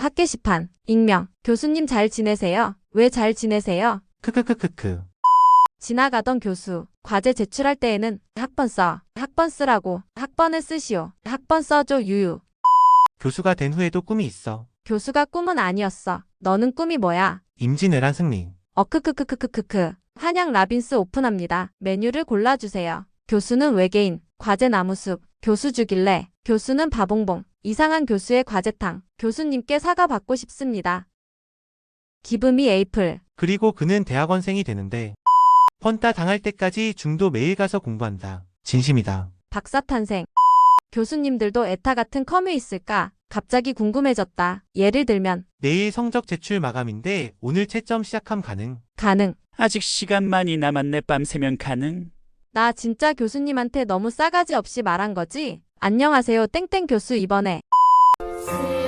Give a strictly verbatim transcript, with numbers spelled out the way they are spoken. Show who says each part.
Speaker 1: 학 게시판. 익명. 교수님 잘 지내세요? 왜 잘 지내세요?
Speaker 2: 크크크크크.
Speaker 1: 지나가던 교수. 과제 제출할 때에는 학번 써. 학번 쓰라고. 학번을 쓰시오. 학번 써줘 유유.
Speaker 2: 교수가 된 후에도 꿈이 있어.
Speaker 1: 교수가 꿈은 아니었어. 너는 꿈이 뭐야?
Speaker 2: 임진왜란 승리.
Speaker 1: 어크크크크크크크. 한양 라빈스 오픈합니다. 메뉴를 골라주세요. 교수는 외계인. 과제 나무숲. 교수 주길래. 교수는 바봉봉. 이상한 교수의 과제탕. 교수님께 사과받고 싶습니다. 기브미 에이플.
Speaker 2: 그리고 그는 대학원생이 되는데 펀따 당할 때까지 중도 매일 가서 공부한다. 진심이다.
Speaker 1: 박사탄생. 교수님들도 에타 같은 커뮤 있을까? 갑자기 궁금해졌다. 예를 들면
Speaker 2: 내일 성적 제출 마감인데 오늘 채점 시작함 가능.
Speaker 1: 가능.
Speaker 3: 아직 시간 많이 남았네. 밤새면 가능?
Speaker 1: 나 진짜 교수님한테 너무 싸가지 없이 말한 거지? 안녕하세요 땡땡 교수 이번에